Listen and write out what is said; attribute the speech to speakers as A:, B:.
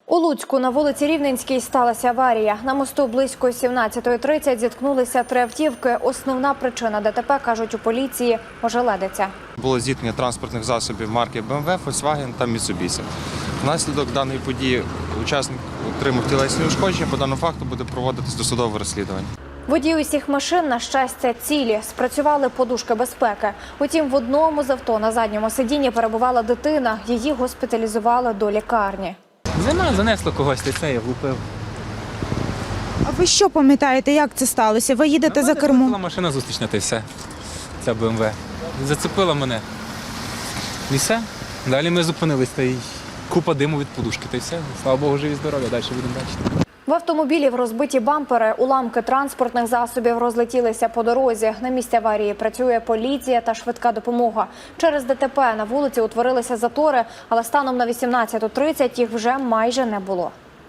A: У Луцьку на вулиці Рівненській сталася аварія. На мосту близько 17:30 зіткнулися три автівки. Основна причина ДТП, кажуть у поліції, ожеледиця.
B: Було зіткнення транспортних засобів марки BMW, Volkswagen та Mitsubishi. Внаслідок даної події учасник отримав тілесні ушкодження. По даному факту буде проводитись досудове розслідування.
A: Водії усіх машин, на щастя, цілі. Спрацювали подушки безпеки. Утім, в одному з авто на задньому сидінні перебувала дитина. Її госпіталізували до лікарні.
C: Занесло когось, це я влупив.
D: А ви що пам'ятаєте, як це сталося? Ви їдете за кермом?
C: Була машина зустрічна, та й все. Ця БМВ. Зацепила мене. І все. Далі ми зупинились, та й купа диму від подушки, та й все. Слава Богу, живі здорові, далі будемо бачити.
A: В автомобілі розбиті бампери, уламки транспортних засобів розлетілися по дорозі. На місці аварії працює поліція та швидка допомога. Через ДТП на вулиці утворилися затори, але станом на 18:30 їх вже майже не було.